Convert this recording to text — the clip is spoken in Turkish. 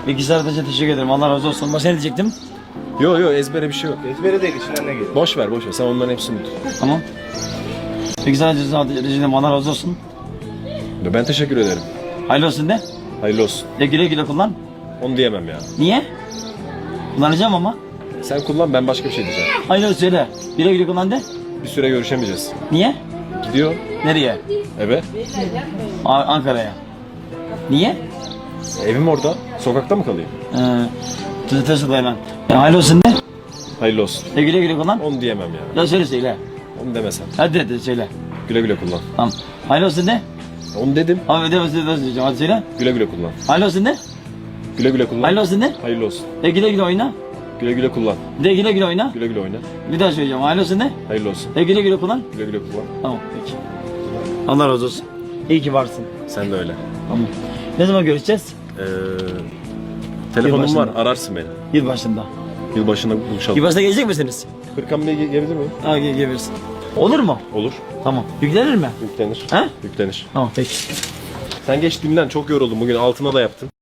Bilgisayar için teşekkür ederim. Allah razı olsun. Başka ne diyecektim? Yo ezbere bir şey yok. Ezbere değil, içinden ne geliyor? Boş ver. Sen onların hepsini unut. Tamam. Bilgisayar için Allah razı olsun. Ben teşekkür ederim. Hayırlı olsun de. Hayırlı olsun. De güle güle kullan. Onu diyemem ya. Niye? Kullanacağım ama. Sen kullan, ben başka bir şey diyeceğim. Hayırlı olsun söyle. Güle güle kullan de. Bir süre görüşemeyeceğiz. Niye? Gidiyor. Nereye? Eve. Ankara'ya. Niye? Evim orada. Sokakta mı kalayım? Tuzatıyorsun dayı lan. Hayırlı olsun de. Hayırlı olsun. De güle güle kullan. Onu diyemem ya. Ya söyle. Onu demesem. Hadi söyle. Güle güle kullan. Tamam. Hayırlı olsun de. Onu dedim. Abi de hadi söyle. Güle güle kullan. Hayırlı olsun de. Güle güle kullan. Hayırlı olsun de. Hayırlı olsun. De güle güle oyna. Güle güle kullan. De güle güle oyna. Güle güle oyna. Bir daha söyleyeceğim. Hayırlı olsun de. Hayırlı olsun. De güle güle kullan. Güle güle kullan. Tamam peki. Allah razı olsun. İyi ki varsın. Sen de öyle. Tamam. Ne zaman görüşeceğiz? Telefonum Yılbaşında. var. Ararsın beni. Yılbaşında. Yılbaşında buluşalım. Yılbaşında gelecek misiniz? Hırkan Bey gelebilir mi? Ha gelebilirsin. Olur mu? Olur. Tamam. Yüklenir mi? Yüklenir. He? Yüklenir. Tamam peki. Sen geç dinlen. Çok yoruldum bugün. Altına da yaptın.